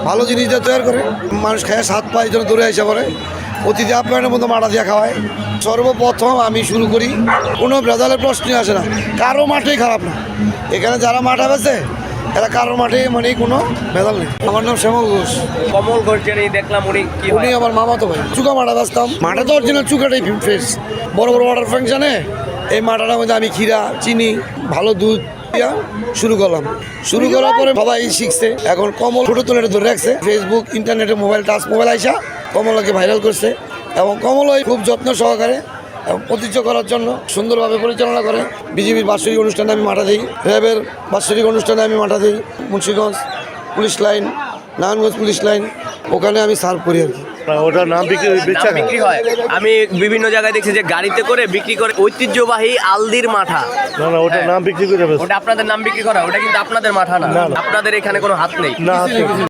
ভালো জিনিস দিয়ে তৈরি করে, মানুষ খায় স্বাদ পায়, এই জন্য দূরে এসে পড়ে। অতিথি আপ্যায়নের মতো মাঠা দিয়ে খাওয়ায়। সর্বপ্রথম আমি শুরু করি, কোনো ভেজালের প্রশ্নই আসে না, কারো মাঠেই খারাপ না। এখানে যারা মাঠা বেছে এরা কারোর মাঠে মানে কোনো ভেজাল নেই। আমার নাম শ্যামল ঘোষ। কমল ঘোষ যিনি দেখলাম উনি আমার মামাতো ভাই। চুকা মাঠা বেচতাম, মাঠা তো অরিজিনাল চুকাটাই ফ্রেশ। বড় বড় অর্ডার ফাংশনে এই মাঠাটার মধ্যে আমি ক্ষীরা, চিনি, ভালো দুধ দিয়া শুরু করলাম। শুরু করার পরে সবাই শিখছে। এখন কমল ছোটো তুলে ধরে রাখছে। ফেসবুক, ইন্টারনেটে, মোবাইল, টাচ মোবাইল আইসা কমলকে ভাইরাল করছে। এবং কমলই খুব যত্ন সহকারে এবং প্রতিজ্ঞ করার জন্য সুন্দরভাবে পরিচালনা করে। বিজেপির বাৎসরিক অনুষ্ঠানে আমি মাঠা দিই, র্যাবের বাৎসরিক অনুষ্ঠানে আমি মাঠা দিই, Munshiganj police line, Narayanganj police line, ওখানে আমি সার্ভ করি আর কি। ওটার নাম বিক্রি হয়। আমি বিভিন্ন জায়গায় দেখছি যে গাড়িতে করে বিক্রি করে, ঐতিহ্যবাহী আলদির মাঠা। না ওটার নাম বিক্রি করে ওটা আপনাদের নাম বিক্রি করা, ওটা কিন্তু আপনাদের মাঠা না। আপনাদের এখানে কোনো হাত নেই। না